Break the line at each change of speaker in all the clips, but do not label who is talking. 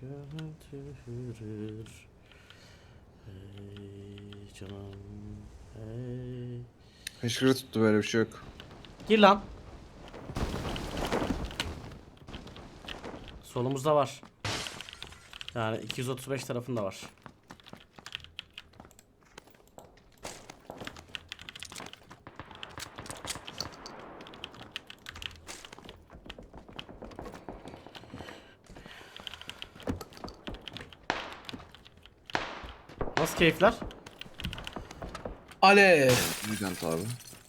götürür. Hey canım. Hey.
Hışkırı tuttu, böyle bir şey yok.
Gir lan. Solumuzda var. Yani 235 tarafında var. Nasıl keyifler?
Alev.
Gigant abi.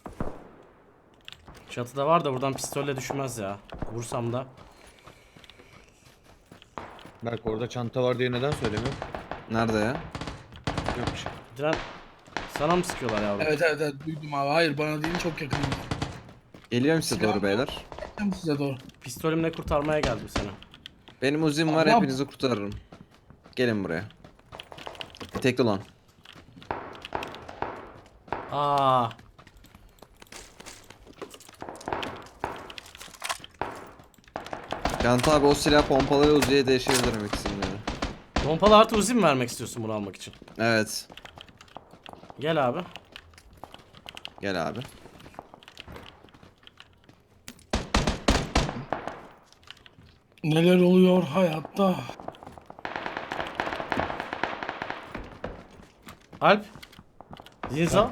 Çatıda var da buradan pistolle düşmez ya. Vursam da.
Bak orada çanta var diye neden söylemiyor?
Nerede ya?
Yok bir şey.
Diren sana mı sıkıyorlar yavrum?
Evet duydum abi. Hayır bana değil, çok yakın.
Geliyorum size
Silah
doğru
mı?
beyler.
Tam size doğru.
Pistolümle kurtarmaya geldim seni.
Benim uzim var,
Tamam.
hepinizi kurtarırım. Gelin buraya. Tekli olan.
Aa.
Gigant abi, o silah pompalı Uzi'ye değişebilirim ikisini de.
Pompalı artı uzi mi vermek istiyorsun bunu almak için?
Evet.
Gel abi.
Gel abi.
Neler oluyor hayatta?
Alp. Zinzo.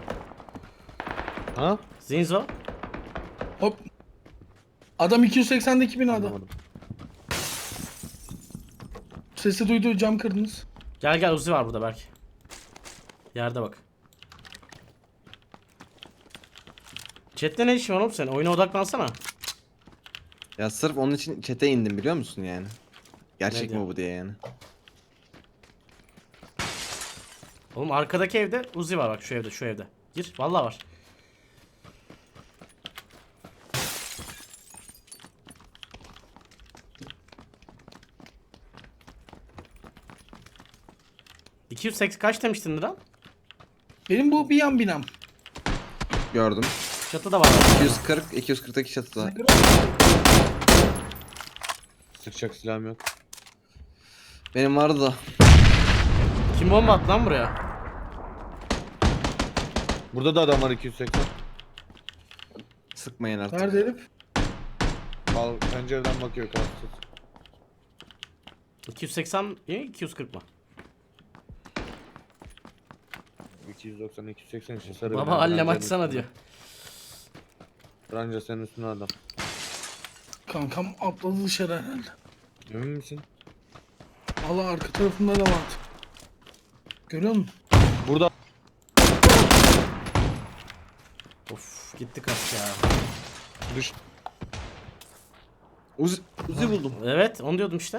Ha?
Zinzo.
Hop. Adam 280'deki binada.
Anlamadım.
Sesi duydu, cam kırdınız.
Gel gel uzi var burada belki. Yerde bak. Chat'te ne işin var oğlum sen? Oyuna odaklansana.
Ya sırf onun için chat'e indim, biliyor musun yani?
Ne
Gerçek
diyor?
mi bu diye yani.
Oğlum arkadaki evde uzi var bak, şu evde, şu evde. Gir, vallahi var. ...280 kaç demiştin Diren?
Benim bu bir yan binam.
Gördüm.
Çatıda var.
240, 240'daki çatıda.
Sıkacak silahım yok.
Benim vardı da.
Kim bomba attı lan buraya?
Burada da adam var 280.
Sıkmayın artık.
Nerede herif?
Al pencereden bakıyor kalsız.
280 mi? 240 mı?
290 280 işte sarı.
Baba
bina,
allem
Rancanın
açsana
üstünde.
diyor.
Ranca senin üstüne adam.
Kankam atladı dışarı herhalde.
Emin misin?
Allah, arka tarafında da vardı. Görüyor musun?
Burada.
Of gitti kaç ya.
Düş.
Uzi buldum.
Evet onu diyordum işte.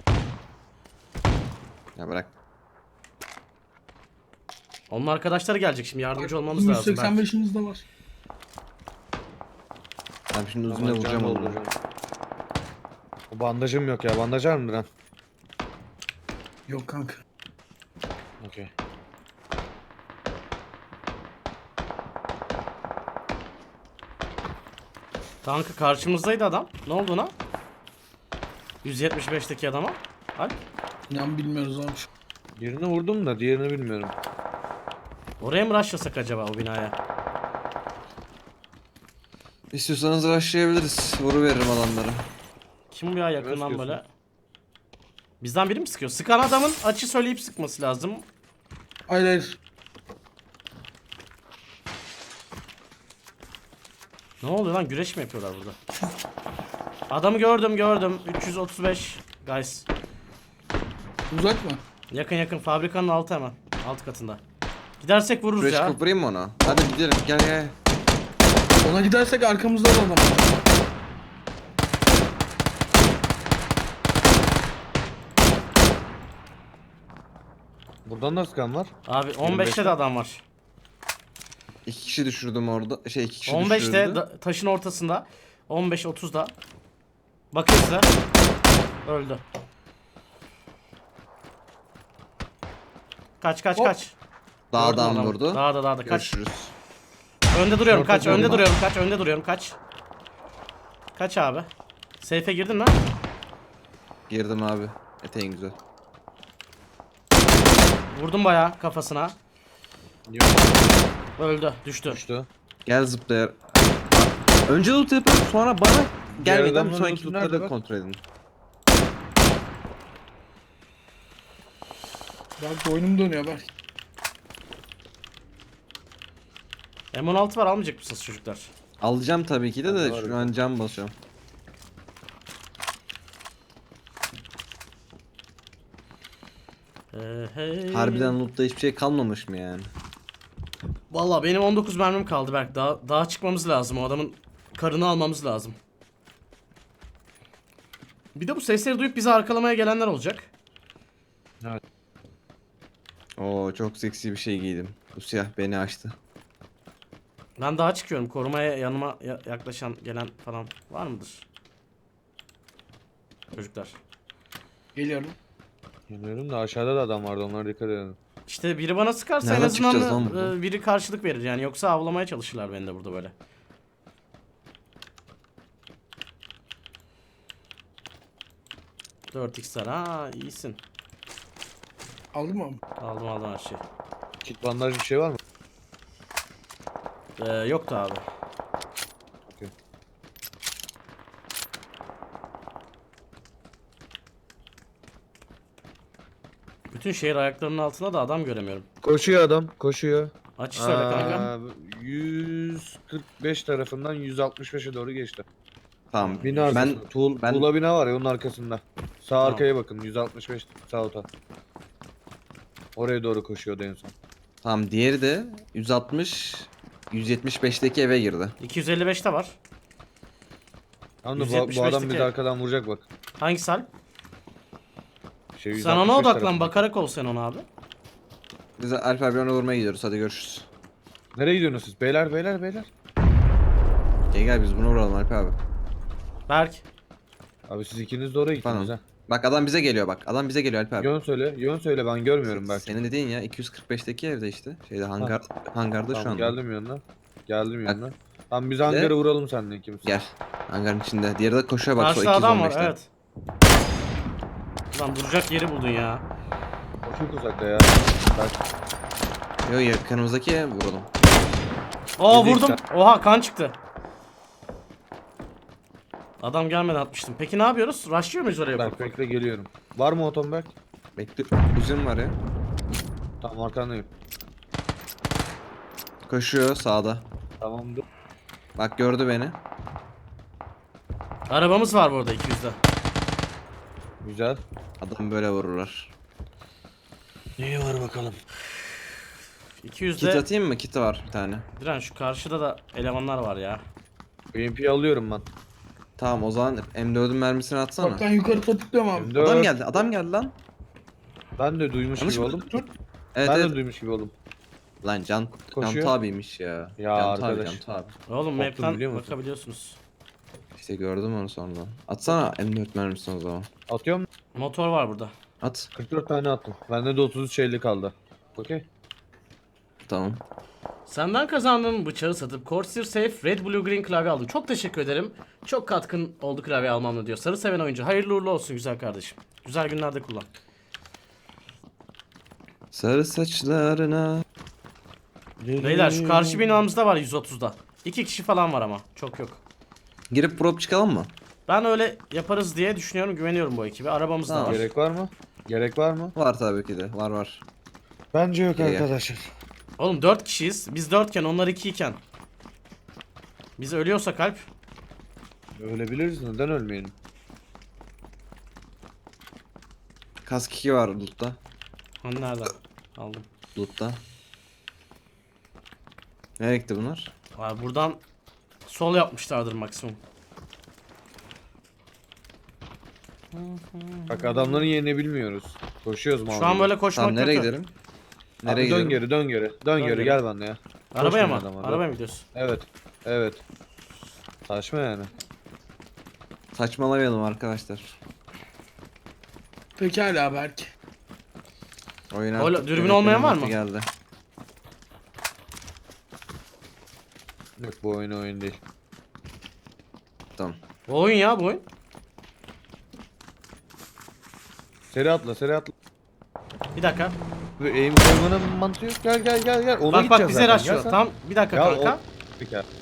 Ya bırak.
Onun arkadaşları gelecek şimdi, yardımcı olmamız lazım. belki.
185'imiz de var.
Ben şimdi uzunla
Aman
vuracağım
canım
onu.
oldu canım. O bandajım yok ya. Bandaj var mı Diren?
Yok kanka.
Okey.
Kanka karşımızdaydı adam. Ne oldu ona? 175'teki adama. Alp.
İnan bilmiyoruz abi.
Birini vurdum da diğerini bilmiyorum.
Oraya mı rushlasak acaba o binaya?
İstiyorsanız rushlayabiliriz. Vuruveririm adamları.
Kim bu ya yakından
sıkıyorsun?
böyle? Bizden biri mi sıkıyor? Sıkan adamın açı söyleyip sıkması lazım.
Hayır.
Ne oluyor lan? Güreş mi yapıyorlar burada? Adamı gördüm. 335 guys.
Uzak mı?
Yakın fabrikanın altı hemen. Alt katında. Gidersek vururuz
Buraya
ya.
çıkıp vurayım mı ona? Hadi gidelim, gel gel.
Ona gidersek arkamızda da adam var.
Buradan da sıkan var.
Abi 15'te de adam var.
2 kişi düşürdüm orada. 2 kişi
15'te
düşürdü.
taşın ortasında. 15-30'da. Bakıyor size. Öldü. Kaç.
Hop.
Gördüm
Dağdan
adamı.
vurdu.
Dağda kaç.
Görüşürüz.
Önde duruyorum kaç.
Şorta
Önde duruyorum kaç. Kaç abi. Seyfe girdin mi?
Girdim abi. Eteğin güzel.
Vurdum bayağı kafasına.
Yok.
Öldü. Düştü.
Düştü.
Gel zıplayar. Önce loot yapıp sonra bana gelmeden bir
adamın
sonraki
lootu nerede
lootları
bak?
kontrol edin.
Bak boynum dönüyor Berk.
M16 var, almayacak mısınız çocuklar?
Alacağım tabii ki de
Bende
de
var
şu
bir
an cam basıyorum.
Hey.
Harbiden lootta hiçbir şey kalmamış mı yani?
Valla benim 19 mermim kaldı Berk. Daha çıkmamız lazım. O adamın karını almamız lazım. Bir de bu sesleri duyup bizi arkalamaya gelenler olacak.
Oo çok seksi bir şey giydim. Bu siyah beni açtı.
Ben daha çıkıyorum. Korumaya yanıma yaklaşan gelen falan var mıdır? Çocuklar.
Geliyorum.
Geliyorum da aşağıda da adam vardı, onlara dikkat edin.
İşte biri bana sıkarsa en
Nereden
azından
çıkacağız lan buradan?
biri karşılık verir yani. Yoksa avlamaya çalışırlar beni de burada böyle. Dört x'ler, ha iyisin.
Aldın mı?
Aldım her şeyi.
Kit bandaj bir şey var mı?
Yoktu abi.
Okey.
Bütün şehir ayaklarının altında da adam göremiyorum.
Koşuyor adam, koşuyor.
Açı söyle kanka.
145 tarafından 165'e doğru geçti.
Tamam.
Bina arkasında.
Ben
Tuğla bina var ya, onun arkasında. Sağ
Tamam.
arkaya bakın, 165 sağ ota. Oraya doğru koşuyordu en son.
tamam, diğeri de 160 175'teki eve girdi.
255'te var.
Tamam da bu adam
175'teki.
bizi arkadan vuracak bak.
Hangisi Alp?
Şey,
Sen ona
165
odaklan,
tarafında.
bakarak ol sen ona abi.
Biz de Alp abi ona vurmaya gidiyoruz. Hadi görüşürüz.
Nereye gidiyorsunuz siz? Beyler beyler beyler.
Gel biz bunu vuralım Alp abi.
Berk.
Abi siz ikiniz de oraya gittiniz
Tamam.
ha.
Bak adam bize geliyor bak. Adam bize geliyor Alp abi.
Yön söyle ben görmüyorum belki.
Senin dediğin ya 245'teki evde işte. Şeyde hangarda şu
Tamam,
anda.
geldim yanına. Geldim
Bak.
yanına. Tamam biz hangarı vuralım seninle ikimiz.
Gel. Hangarın içinde. Diğeri de koşuyor bak.
Karşıda adam var,
215'ten.
evet. Lan duracak yeri buldun ya.
O çok uzakta ya. Kaç.
Yo yakınımızdaki vuralım.
Oo
Dedik
vurdum. Oha kan çıktı. Adam gelmeden atmıştım. Peki ne yapıyoruz? Rushlıyor muyuz oraya?
Berk bekle geliyorum. Var mı otom Berk?
Bekle. Uzun var ya.
Tamam arkandayım.
Koşuyor sağda.
Tamam dur.
Bak gördü beni.
Arabamız var bu arada 200'de.
Güzel.
Adam böyle vururlar.
İyi var bakalım.
Kit
200'de
atayım mı? Kit var bir tane.
Diren şu karşıda da elemanlar var ya.
BMP'yi alıyorum ben.
Tamam o zaman M4'ün mermisini atsana.
Bak ben yukarı patıklıyorum abi.
M4.
Adam geldi lan.
Ben de duymuş
Yanlış
gibi
mı?
oldum.
Evet
Ben
evet.
de duymuş gibi oldum.
Lan
Koşuyor.
Can abiymiş ya.
Ya
Can
arkadaş.
Can abi.
Oğlum
Korktum
map'ten
biliyor musun?
bakabiliyorsunuz.
İşte gördüm onu sonra. Atsana M4 mermisini o zaman.
Atıyorum.
Motor var burada.
At.
44 tane attım. Bende de 33 50 kaldı. Okey.
Tamam.
Senden kazandığım bıçağı satıp Corsair Safe Red Blue Green klavye aldım. Çok teşekkür ederim. Çok katkın oldu klavye almamla diyor. Sarı seven oyuncu. Hayırlı uğurlu olsun güzel kardeşim. Güzel günlerde kullan.
Sarı saçlarına.
Beyler şu karşı binamızda var 130'da. 2 kişi falan var ama. Çok yok.
Girip prop çıkalım mı?
Ben öyle yaparız diye düşünüyorum. Güveniyorum bu ekibe. Arabamız da
Tamam.
var.
Gerek var mı? Gerek var mı?
Var tabii ki de. Var.
Bence yok
Gel.
arkadaşlar.
Oğlum 4 kişiyiz. Biz 4 iken onlar 2 iken. Biz ölüyorsak Alp.
Ölebiliriz, neden ölmeyelim?
Kask 2 var loot'ta.
Hani nerede? Aldım.
Loot'ta. Nereye gitti bunlar?
Abi buradan sol yapmışlardır maksimum.
Bak adamların yerini bilmiyoruz. Koşuyoruz
Şu an böyle koşmak
Tamam nereye
kötü.
gidelim?
Nereye
Nereye
dön
gidelim?
geri dön geri. Dön geri
geri.
gel bende ya.
Arabaya mı?
Koşmayın adama,
Arabaya
dön.
mı gidiyorsun?
Evet. Evet. Saçma yani.
Saçmalamayalım arkadaşlar.
Pekala Berk.
Oyun
Öyle,
artık
dürbün
yönetmenin
olmayan var
vakti
mı?
Geldi.
Yok bu oyun değil.
Tamam.
Bu oyun ya bu oyun.
Seri atla seri atla.
Bir dakika.
Böyle aim koymanın mantığı yok. Gel gel gel gel. Ona
Bak
gideceğiz
bize
zaten.
açıyor.
Gel sen.
Tamam bir dakika
Ya
kanka.
Peki abi.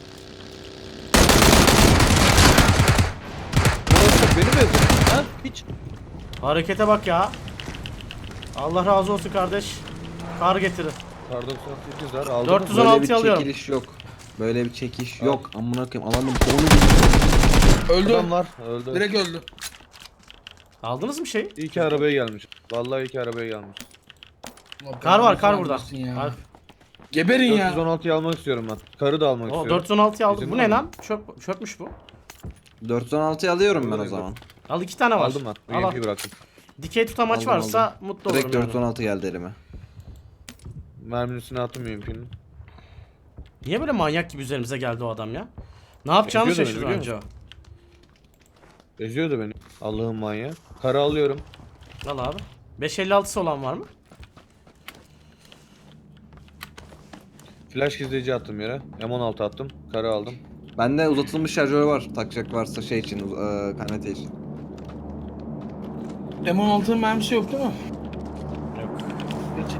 Orası benim evim. Ha? Hiç.
Harekete bak ya. Allah razı olsun kardeş. Kar getirir.
Pardon 98 var. Aldın
400
mı?
Böyle
16
bir
alıyorum.
çekiliş yok. Böyle bir çekiş
Al.
yok. Amına koyayım alanın bonu gibi.
Öldü.
Adam var. Öldü.
Direkt öldü.
Aldınız mı şeyi?
İyi ki arabaya gelmiş. Vallahi iyi ki arabaya gelmiş.
Allah
Kar var, kar
belanı
burada.
vermesin ya.
Alp.
Geberin ya.
416'yı almak istiyorum ben. Karı da almak
O
istiyorum.
416'yı aldım.
Bizim
Bu
var
ne
mı?
lan? Çöpmüş bu.
416'yı alıyorum ben o
Direkt
zaman.
Al 2 tane var.
Aldım ben.
Al, al.
UMP bıraktım.
Dikey tutamaç
Aldım,
varsa mutlu olurum
Direkt
yani.
416 geldi elime.
Merminin üstüne attım UMP'nin.
Niye böyle manyak gibi üzerimize geldi o adam ya? Ne yapacağını
Eziyordu
şaşırdı
beni,
önce o.
Eziyordu beni. Allah'ın manyağı. Karı alıyorum.
Al abi. 556'sı olan var mı?
Flash gizleyici attım yere. M16 attım. Karı aldım.
Bende uzatılmış şarjör var. Takacak varsa şey için, KNT için.
M16'nın mermisi yok değil mi?
Yok.
Geç.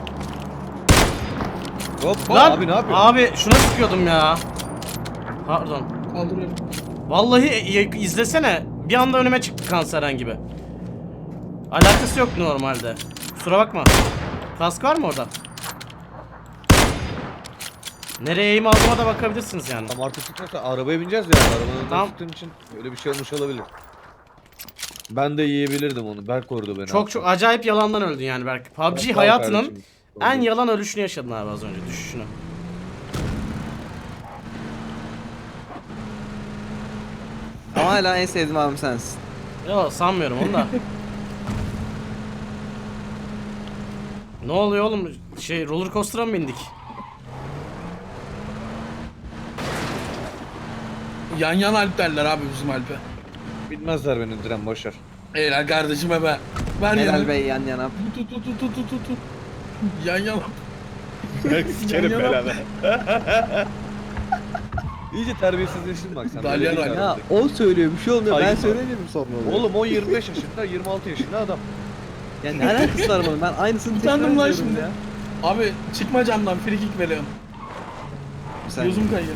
Hop
Lan
abi ne yapıyorsun?
abi şuna sıkıyordum ya. Pardon.
Kaldırıyorum.
Vallahi izlesene. Bir anda önüme çıktı Kanseren gibi. Alakası yok normalde. Kusura bakma. Kask var mı orada? Nereye eğim aldığıma da bakabilirsiniz yani.
Tam artık çıkmasa arabaya bineceğiz ya. Arabanın önünden
Tamam.
çıktığım için öyle bir şey olmuş olabilir. Ben de yiyebilirdim onu. Berk korudu beni.
Çok çok acayip yalandan öldün yani Berk. PUBG
Sağ ol
hayatının
kardeşim.
en yalan ölüşünü yaşadın abi az önce. Düşüşünü.
Ama hala en sevdiğim abim sensin.
Yok sanmıyorum onu da. Ne oluyor oğlum? Şey roller coaster'a mı bindik?
Yan yan Alp derler abi bizim Alp'e.
Bilmezler beni Diren boşver.
Helal kardeşime be. Ver
Helal
ya.
Bey yan yana.
Tut tut tut tut tut tut tut. Yan yan.
Sikerim
Yan yana.
belanı. İyice terbiyesizleştin bak sen.
Dalyan
Böyle değil
ya,
artık.
O söylüyor bir şey olmuyor.
Hayır.
Ben söylemiyorum sonra oluyor.
Oğlum o 25 yaşında 26 yaşında adam.
Ya ne alakası var bunun? Ben aynısını
Utandım
tekrar
lan
ediyorum
şimdi.
ya.
Abi çıkma camdan free kick veriyorum.
Sen
Gözüm kayıyor.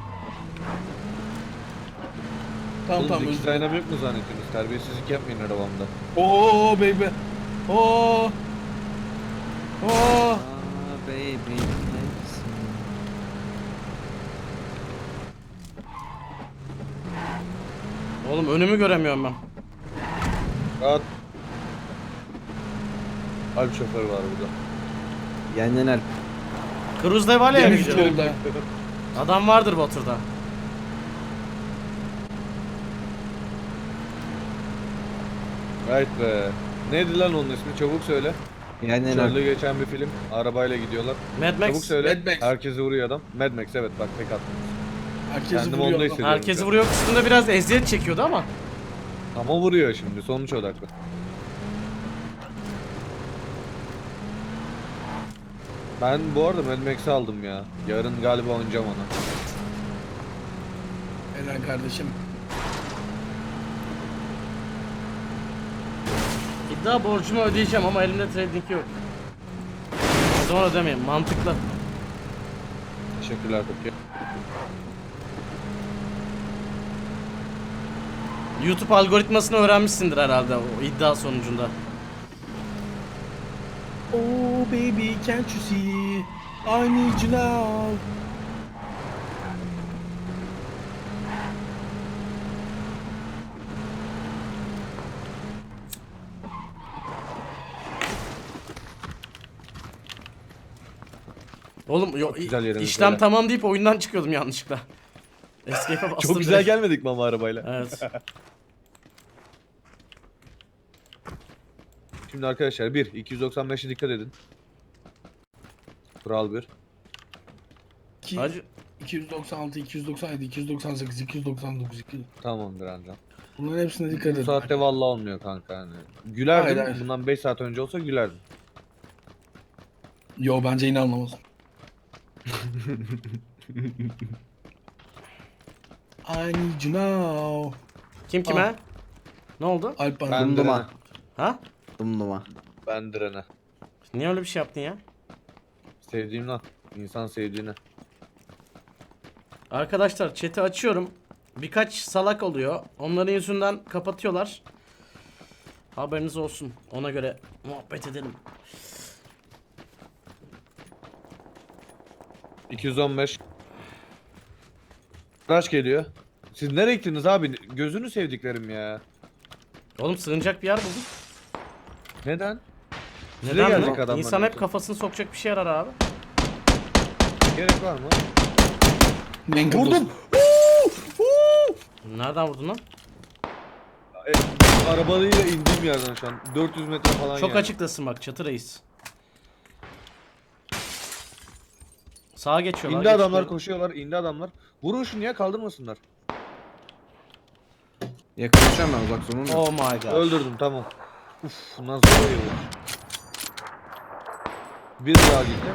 Tamam
Oğlum
tamam
dikiz
özür dilerim.
aynam yok mu zannediyorsunuz? Terbiyesizlik yapmayın arabamda.
Oo baby. Oo. Oo.
Aa, baby. neredesin?
Oğlum önümü göremiyorum ben.
Rahat. Alp şoförü var burada.
Yan yana.
Cruise Devalia'ya mı
Deniz
gidiyor?
yolda.
Adam vardır Batur'da.
Right be. Neydi lan onun ismi? Çabuk söyle.
Yan yana.
Çölde geçen bir film. Arabayla gidiyorlar.
Mad
Çabuk
Max.
söyle.
Mad Max.
Herkesi vuruyor adam. Mad Max evet bak tek attım.
Herkesi
Kendim
vuruyor.
onda
adam.
hissediyorum.
Herkesi
şu an.
vuruyor kısmında biraz eziyet çekiyordu ama.
Ama vuruyor şimdi. Sonuç odaklı. Ben bu arada Mad Max'i aldım ya. Yarın galiba oynayacağım onu.
Helal kardeşim.
İddia borcumu ödeyeceğim ama elimde trading yok. O zaman ödemeyeyim. Mantıklı.
Teşekkürler Türkiye.
YouTube algoritmasını öğrenmişsindir herhalde o iddia sonucunda.
Oh baby can't you see? I need you now.
Oğlum
güzel yeriniz
işlem
böyle.
tamam deyip oyundan çıkıyordum yanlışlıkla. Escape'e bastım.
Çok güzel
direkt.
gelmedik mi ama arabayla?
Evet.
Şimdi arkadaşlar 1 295'e dikkat edin. Kural 1.
Hacı
296, 297, 298, 299, 200.
Tamamdır Ancan.
Bunların hepsine dikkat
Bu
edin.
saatte vallahi olmuyor kanka hani. Gülerdim.
Hayır, hayır.
Bundan 5 saat önce olsa gülerdim.
Yo bence yine anlamaz. I need you now.
kim kime?
Al.
Ne oldu?
Alp bana.
Ben
Dumduma.
Diren'e.
Ha?
Dımdıma.
Ben direne.
Niye öyle bir şey yaptın ya?
Sevdiğimden. İnsan sevdiğine.
Arkadaşlar chat'i açıyorum. Birkaç salak oluyor. Onların yüzünden kapatıyorlar. Haberiniz olsun. Ona göre muhabbet edelim.
215. Kaç geliyor? Siz nereye gittiniz abi? Gözünü sevdiklerim ya.
Oğlum sığınacak bir yer bulduk.
Neden? Size
Neden
gelecek
mi?
adamlar
İnsan hep
yoksa.
kafasını sokacak bir şey arar abi.
Gerek var mı?
Mangle
Vurdum.
Nereden vurdun lan?
E, arabayla indiğim yerden şu an. 400 metre falan
Çok
yani.
açıktasın bak çatı reis. Sağa geçiyorlar.
İndi adamlar
geçiyorlar.
koşuyorlar. İndi adamlar. Vurun şunu ya kaldırmasınlar.
Yaklaşacağım ben uzak sonunda.
Oh my god.
Öldürdüm tamam. Uf nasıl oluyor? Bir daha gitti.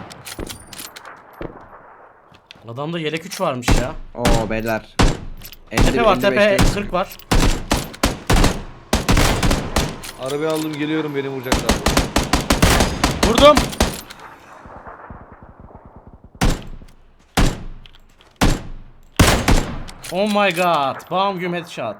Adamda yelek 3 varmış ya.
Oo beyler.
Tepe var
55
tepe
diyoruz.
40 var.
Arabayı aldım geliyorum beni vuracaklar.
Vurdum. Oh my god. Bam güm headshot.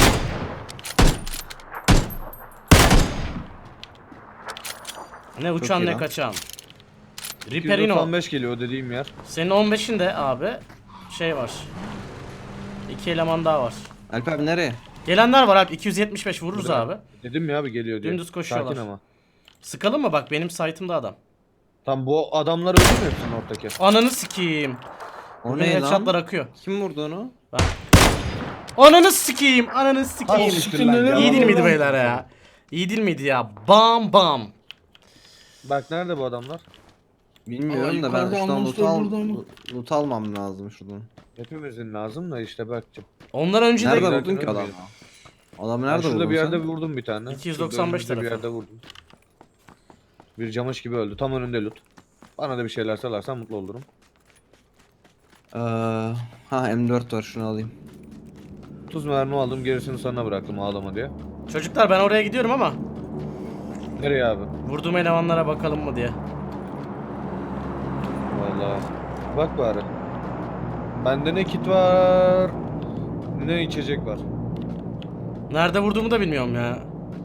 Ne uçan
iyi
ne
lan.
kaçan. Riperino.
295 geliyor dediğim yer.
Senin 15'inde abi şey var. 2 eleman daha var.
Alp abi nereye?
Gelenler var abi 275 vururuz
Burada.
abi.
Dedim ya abi geliyor diye.
Dümdüz koşuyorlar.
Sakin ama.
Sıkalım mı bak benim site'ımda adam.
Tam bu adamlar öldü mü hepsinin ortaki?
Ananı sikeyim.
O
Bugün
ne
headshotlar
lan?
akıyor.
Kim vurdu onu?
Ananı sikeyim. Ananı sikeyim.
siktir lan,
İyi değil
yalan
miydi
lan.
beyler ya? İyi değil miydi ya? Bam bam.
Bak nerede bu adamlar?
Bilmiyorum
Aa,
da ben
yukarıda
şuradan loot,
anonslar burada ama.
loot almam lazım şuradan.
Hepimizin lazım da işte bakacağım.
Ondan önce
Nerede
de
Nereden
vurdun ki
ölmüyor?
adamı? Adamı
Ben
nerede
şurada
vurdun
bir yerde
sen?
vurdum bir tane.
295
Şurada önümüzde bir
tarafı.
yerde vurdum. Bir camış gibi öldü. Tam önünde loot. Bana da bir şeyler salarsan mutlu olurum.
Ha M4 var şunu alayım.
30 mermi aldım gerisini sana bıraktım ağlama diye.
çocuklar ben oraya gidiyorum ama
Nereye abi?
vurduğum elemanlara bakalım mı diye.
Vallahi. Bak bari. Bende ne kit var ne içecek var.
Nerede vurduğumu da bilmiyorum ya.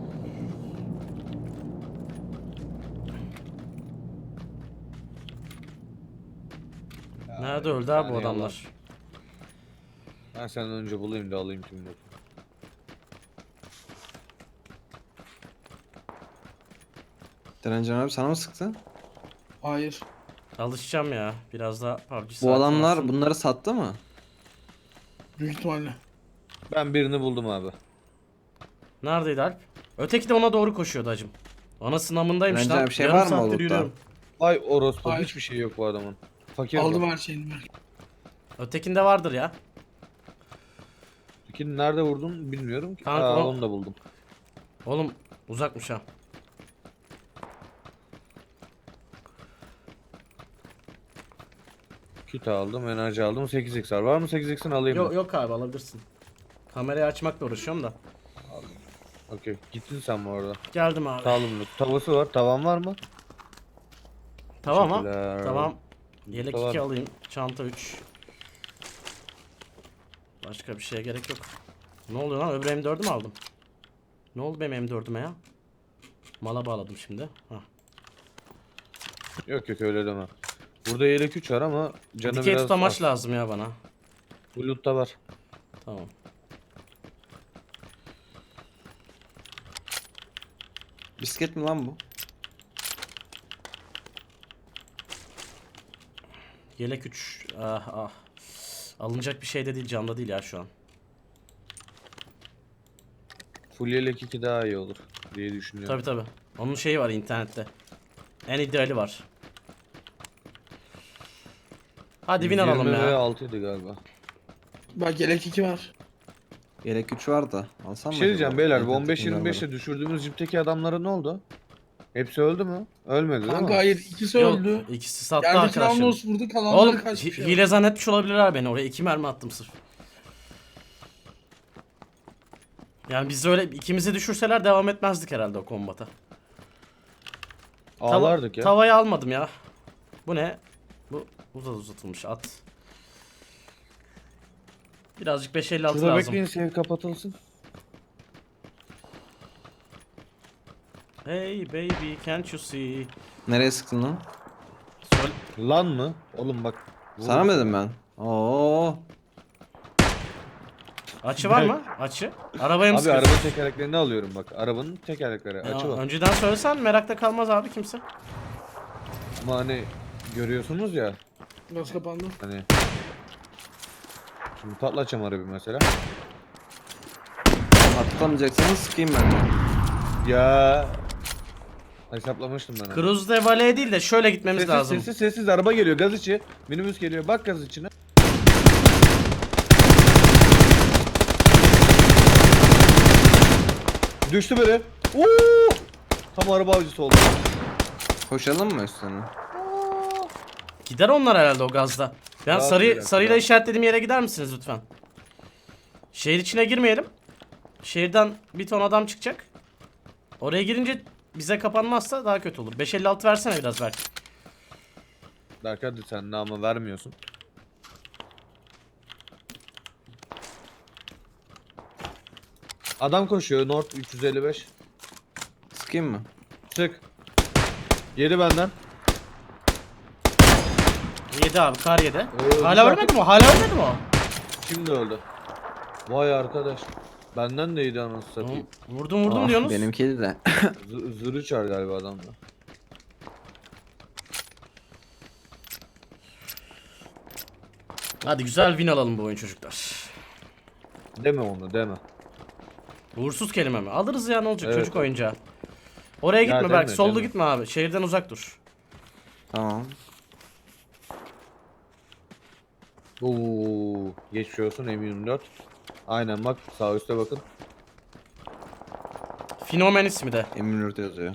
Nerede öldü abi bu
saniye
adamlar?
Ben senden önce bulayım da alayım tüm loot'u.
Direncan abi sana mı sıktı?
Hayır.
Alışacağım ya. Biraz daha PUBG
Bu
saati
adamlar
olsun.
bunları sattı mı?
Büyük ihtimalle.
Ben birini buldum abi.
Neredeydi Alp? Öteki de ona doğru koşuyordu hacım. Anasının amındaymış
Bence
lan.
bir şey
Yarım
var mı
saattir
o loot'ta?
yürüyorum.
Vay orospu
Hayır.
hiçbir şey yok bu adamın. Fakir
Aldım
bu.
her şeyini ben.
Ötekinde vardır ya.
İkini nerede vurdum bilmiyorum ki.
Kanka
Aa,
o-
onu da buldum.
Oğlum uzakmış ha.
Kit aldım, enerji aldım. 8x'ler var mı? 8x'ini alayım
Yok
mı?
yok abi alabilirsin. Kamerayı açmakla uğraşıyorum da.
Okey. Gittin sen bu arada.
Geldim abi.
Sağlım loot. Tavası var. Tavan var mı?
Tamam ha.
Teşekkürler.
Tamam. Yelek
Tamam.
2 alayım. Çanta 3. Başka bir şeye gerek yok. Ne oluyor lan? Öbür M4'ü mü aldım? Ne oldu benim M4'üme ya? Mala bağladım şimdi. Hah.
Yok yok öyle deme. Burada yelek 3 var ama canı
Dikey
biraz
tutamaç
az.
lazım ya bana.
Bu loot'ta var.
Tamam.
Bisiklet mi lan bu?
Yelek 3. Ah ah. Alınacak bir şey de değil. Camda değil ya şu an.
Full yelek 2 daha iyi olur diye düşünüyorum.
Tabi tabi. Onun şeyi var internette. En ideali var. Hadi win alalım ya.
6'ydı galiba.
Bak yelek 2 var.
Yelek 3 var da. Alsam
Bir
mı
şey diyeceğim
acaba?
beyler bu
İnternet
15-25'te
bunları.
düşürdüğümüz cipteki adamlara ne oldu? Hepsi öldü mü? Ölmedi değil
Kanka
mi?
hayır ikisi
Yok,
öldü.
ikisi sattı
Yerdeki
arkadaşlar.
Ramnos vurdu kalanları
Oğlum
kaçmış ya.
hile zannetmiş olabilirler beni. Oraya 2 mermi attım sırf. Yani biz öyle ikimizi düşürseler devam etmezdik herhalde o kombata.
Ağlardık ya.
Tavayı almadım ya. Bu ne? Bu uzatılmış at. Birazcık 556
Şurada
lazım.
bekleyin, save kapatılsın.
Hey baby can't you see?
Nereye sıktın lan?
Söyle.
Lan mı? Oğlum bak.
Sana mı dedim ben? Oo.
Açı var mı? Açı. Arabaya mı
Abi
sıkıyorsun?
arabanın tekerleklerini alıyorum bak. Arabanın tekerlekleri.
Ya,
Açı bak.
önceden söylesen merakta kalmaz abi kimse.
Ama hani görüyorsunuz ya.
Gaz kapandı.
Hani. Şimdi patlatacağım arabayı mesela.
Atlamayacaksanız sıkayım ben de.
Ya. Hesaplamıştım ben. Hani.
Cruise de Valley değil de şöyle gitmemiz
Sessiz,
lazım.
sessiz araba geliyor gaz içi. Minibüs geliyor, bak gaz içine. Düştü biri. Oo! Tam araba avcısı oldu.
Koşalım mı üstüne?
Gider onlar herhalde o gazda. Ben
Rahat gider,
sarıyla
rahat.
işaretlediğim yere gider misiniz lütfen? Şehir içine girmeyelim. Şehirden bir ton adam çıkacak. Oraya girince bize kapanmazsa daha kötü olur. 556 versene biraz belki.
Berk hadi sen de ama vermiyorsun. Adam koşuyor North 355.
Sıkayım mı?
Sık. Yedi benden.
7 abi kar 7. Hala
güzel.
ölmedi mi o? Hala ölmedi mi o?
Şimdi öldü. Vay arkadaş. Benden de iyiydi anasını satayım.
Vurdum
Ah,
diyorsunuz.
benimkiydi de.
Zırı çar galiba adamda.
Hadi güzel win alalım bu oyun çocuklar.
Deme onu deme.
Uğursuz kelime mi? Alırız ya ne olacak
Evet.
çocuk oyuncağı. Oraya gitme
deme,
belki. Solda
deme.
gitme abi. Şehirden uzak dur.
Tamam.
Oo, geçmiş olsun M24. Aynen bak sağ üstte bakın.
Fenomen ismi de.
Eminönü'nde yazıyor.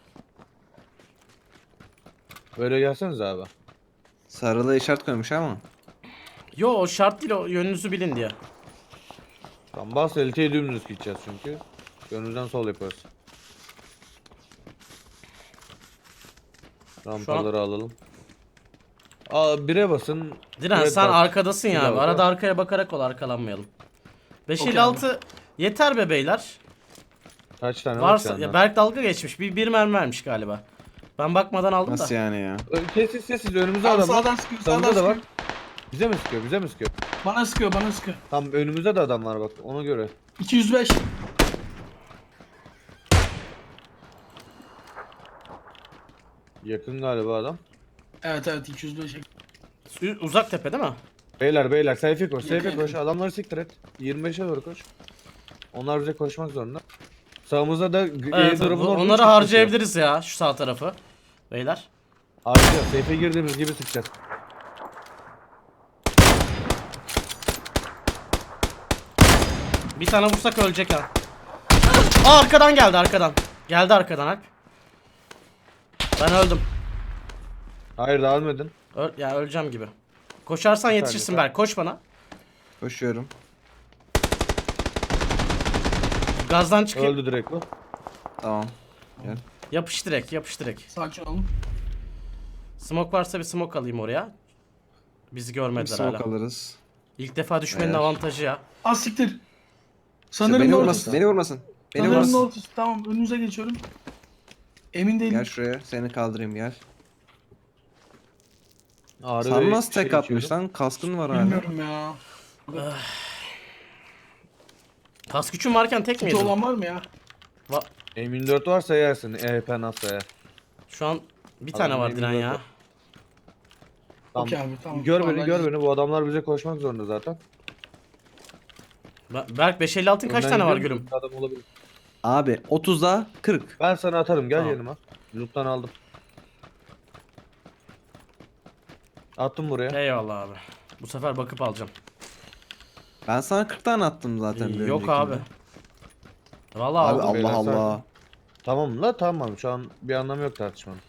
Böyle gelseniz abi.
Sarılı işaret koymuş ama.
Yo o şart değil o yönünüzü bilin diye.
Tam bas LT'ye dümdüz gideceğiz çünkü. Gönülden sol yaparız. Rampaları alalım. Aa, bire basın.
Diren
Evet,
sen
bak.
arkadasın ya
Bir
abi.
daha
Arada
bak.
arkaya bakarak ol arkalanmayalım. 556 yeter be beyler.
Kaç tane
Varsa
var
ya Berk dalga geçmiş. Bir mermi vermiş galiba. Ben bakmadan aldım
Nasıl
da.
yani ya?
Sessiz sessiz önümüzde
Abi
adam var.
sağdan sıkıyor, sağdan
Sağımızda da var.
sıkıyor.
Bize mi sıkıyor? Bize mi sıkıyor?
Bana sıkıyor, bana sıkıyor.
Tam önümüzde de adam var bak ona göre.
205.
Yakın galiba adam.
Evet evet 205.
Uzak tepe değil mi?
Beyler sayfa koş sayfa
Yakın.
koş adamları siktir et. 25'e doğru koş. Onlar bize koşmak zorunda. Sağımızda da
Evet,
airdrop'un orada
onları
üç kişi
harcayabiliriz ya şu sağ tarafı. Beyler.
Harcayacağız. Safe'e girdiğimiz gibi sıkacağız.
Bir tane vursak ölecek ha. Aa arkadan geldi arkadan. Geldi arkadan Alp. Ben öldüm.
Hayır daha ölmedin.
Ya öleceğim gibi. Koşarsan yetişirsin
lütfen.
Berk. Koş bana.
Koşuyorum.
Gazdan çıkayım.
Öldü direkt bu.
Tamam. Gel.
Yapış direkt, yapış direkt.
Sakin olun.
Smoke varsa bir smoke alayım oraya. Bizi
Bir
görmediler
smoke
hala.
alırız.
İlk defa düşmenin
Eğer-
avantajı ya.
Az siktir. Sanırım
Beni
North.
vurmasın. Beni vurmasın. Beni
Sanırım
vurmasın.
North. Tamam önünüze geçiyorum. Emin değilim.
Gel şuraya. Seni kaldırayım gel.
Ağrı
Sen
ve
nasıl
şey
tek atmış
içiyorum.
lan? Kaskın var hala.
Bilmiyorum ya.
Kas gücün varken tek mi
Kötü
yedin?
olan var mı ya?
M24 varsa yersin. EHP nasıl yer?
Şu an bir tane
Adam
var Diren
M24
ya.
var. Tamam.
Okey abi tamam.
Gör
Tamam,
beni gör beni. Bu adamlar bize koşmak zorunda zaten.
Berk 556'ın kaç
Önden
tane var
gidiyorum,
gülüm?
Adam olabilir.
Abi 30'da 40.
Ben sana atarım gel
Tamam.
yanıma. Loot'tan aldım. Attım buraya.
Eyvallah abi. Bu sefer bakıp alacağım.
Ben sana 40 tane attım zaten. bir
Yok
öncekinde.
abi. Vallahi
Abi
aldım.
beyler,
Allah
sakin.
Allah.
Tamam la tamam şu an bir anlamı yok tartışmanın.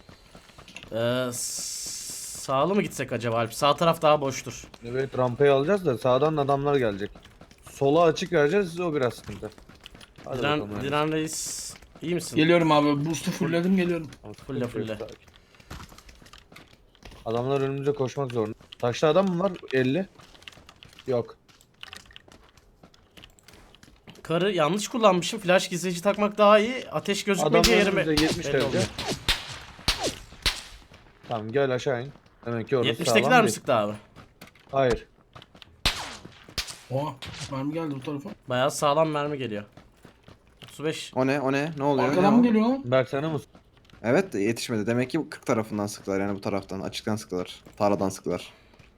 Sağlı mı gitsek acaba Alp? Sağ taraf daha boştur.
Evet rampayı alacağız da sağdan adamlar gelecek. Sola açık vereceğiz o biraz sıkıntı. Hadi bakalım yani.
Diren Reis İyi misin?
Geliyorum abi. Boost'u fullledim geliyorum.
Fulle fulle.
Adamlar önümüze koşmak zorunda. Taşlı adam mı var? 50. Yok.
Karı yanlış kullanmışım. Flash gizleyici takmak daha iyi. Ateş
Adamlar
gözükmeyince yerime...
önümüze 70
belli
derece.
oluyor.
Tamam gel aşağı in. Demek ki orası
70'tekiler
sağlam
mi
değil.
sıktı abi?
Hayır.
Oha. Mermi geldi bu tarafa.
Bayağı sağlam mermi geliyor. 35.
O ne? O ne? Ne oluyor?
Arkadan
Ne
mı
o?
geliyor lan?
Berk sana mı?
Evet yetişmedi. Demek ki 40 tarafından sıktılar yani bu taraftan. Açıktan sıktılar. Tarladan sıktılar.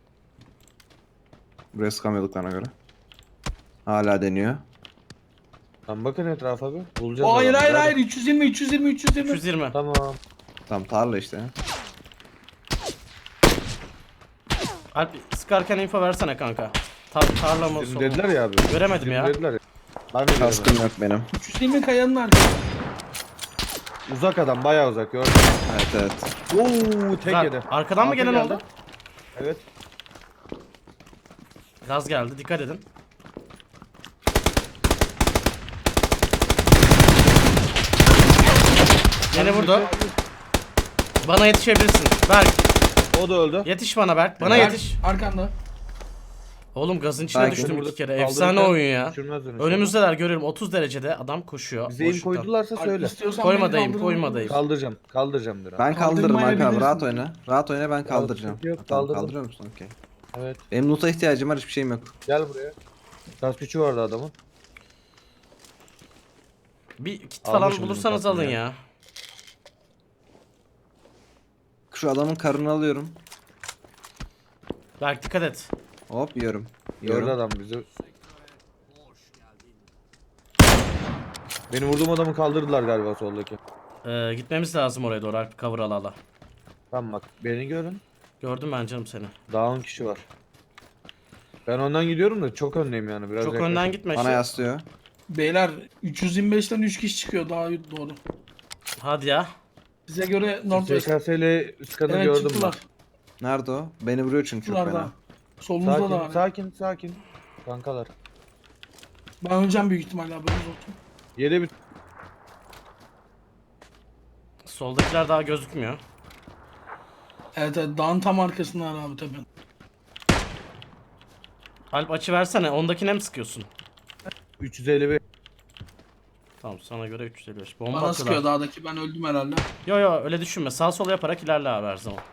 Buraya sıkamıyorduk bana göre. Hala deniyor.
Tamam bakın etrafa bir. Bulacağız.
Hayır
adamı.
hayır
Hadi.
hayır 320 320 320.
320.
Tamam.
Tamam tarla işte.
Alp sıkarken info versene kanka. Tarla mı?
Şimdi
solu mu?
dediler ya abi.
Göremedim
Şimdi
ya.
Dediler ya. Ben de
Kaskım
göremedim.
yok benim.
320 kayanın arkası.
Uzak adam bayağı uzak gördüm.
Evet evet.
Oo tek
Güzel.
yedi.
Arkadan mı
Altı
gelen
geldi.
oldu?
Evet.
Gaz geldi. Dikkat edin. Beni vurdu. Bana yetişebilirsin. Berk.
O da öldü.
Yetiş bana Berk. Bana
Berk,
yetiş.
Arkanda.
Oğlum gazın içine
Berk,
düştüm
Burada
iki kere.
kaldırırken
Efsane oyun ya.
düşürmez beni.
Önümüzdeler görüyorum. 30 derecede adam koşuyor.
Bize im
boşlukta.
koydularsa söyle.
İstiyorsan
Koymadayım,
beni kaldırın.
koymadayım.
Kaldıracağım. Kaldıracağım biraz.
Ben kaldırırım Alp abi.
Kaldırmayabilirsin.
Rahat oyna. Rahat oyna ben kaldıracağım.
sıkıntı yok,
Ha, tamam,
kaldırdım.
kaldırıyor musun? Okey.
Evet.
Benim loot'a ihtiyacım var. Hiçbir şeyim yok.
Gel buraya. Gaz gücü vardı adamın.
Bir kit
Almışım
falan
bizim
bulursanız
tatlıyı
alın
ya.
ya.
Şu adamın karını alıyorum.
Berk dikkat et.
Hop yiyorum.
Gördü
Yiyorum.
adam bizi. Benim vurduğum adamı kaldırdılar galiba soldaki.
Gitmemiz lazım oraya doğru. Alp cover ala ala.
Tamam bak beni görün.
Gördüm ben canım seni.
Daha 10 kişi var. Ben ondan gidiyorum da çok öndeyim yani biraz.
Çok
yaklaşık.
önden gitme.
Bana
Şey.
yaslıyor.
Beyler 325'ten 3 kişi çıkıyor daha doğru.
Hadi ya.
Bize göre Northwest.
SKS ile üst kanı
Evet
gördüm
çıktılar.
Nerede o? Beni vuruyor çünkü çok
Çıktılar
fena.
da. Solumuzda
Sakin,
da var.
sakin, sakin. Kankalar.
Ben öleceğim büyük ihtimalle haberiniz olsun.
Yere bir
Soldakiler daha gözükmüyor.
Evet evet dağın tam arkasındalar abi tepen.
Alp açı versene. Ondakine mi sıkıyorsun?
355.
Tamam sana göre 355. Bomba
Bana sıkıyor
atıyorlar.
dağdaki ben öldüm herhalde.
Yo yo öyle düşünme. Sağ sol yaparak ilerle abi her zaman.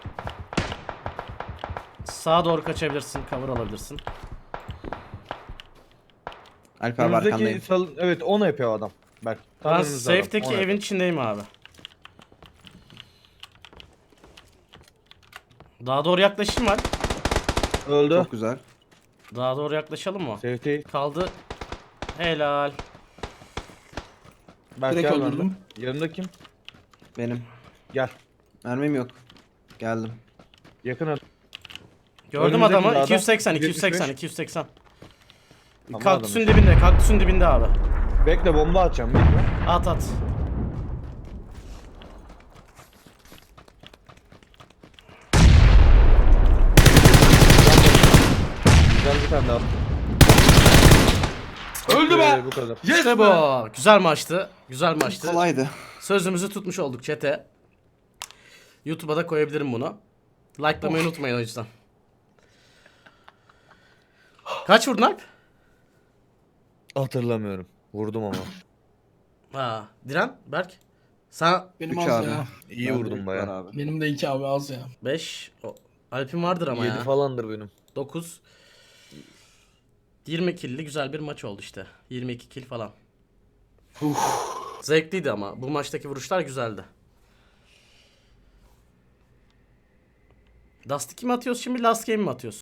Sağa doğru kaçabilirsin. Cover alabilirsin.
Alp abi arkandayım.
Önümüzdeki evet onu yapıyor adam. Bak. tam
Ben
önümüzde adam,
safe'deki
onu
evin
yapıyor.
içindeyim abi. Daha doğru yaklaşayım var.
Öldü.
Çok güzel.
Daha doğru yaklaşalım mı?
Safety.
Kaldı. Helal.
Berk
Direkt
gel benden.
öldürdüm.
Yanında kim?
Benim.
Gel.
Mermim yok. Geldim.
Yakın adam.
Gördüm
Önümüzdeki
adamı.
dağda
280,
175.
280, 280.
Tamam,
Kaktüsün
adam
dibinde, kaktüsün dibinde abi.
Bekle bomba atacağım. Bekle.
At at.
Güzel bir tane daha.
Öldü be!
Bu kadar.
Yes
İşte
be!
bu. Güzel maçtı. Güzel maçtı.
Kolaydı.
Sözümüzü tutmuş olduk chat'e. YouTube'a da koyabilirim bunu. Like'lamayı unutmayın o yüzden. Kaç vurdun Alp?
Hatırlamıyorum. Vurdum ama.
Ha, Diren, Berk. Sen
Benim
3
az
abi.
ya.
İyi
Ben de
vurdum
üç
bayağı.
var abi.
Benim de 2 abi az ya.
5. Alp'in vardır ama
7
ya.
falandır benim.
9. 20 kill'li güzel bir maç oldu işte. 22 kill falan. Zevkliydi ama. Bu maçtaki vuruşlar güzeldi. Dust 2 mi atıyoruz şimdi, Last Game mi atıyoruz?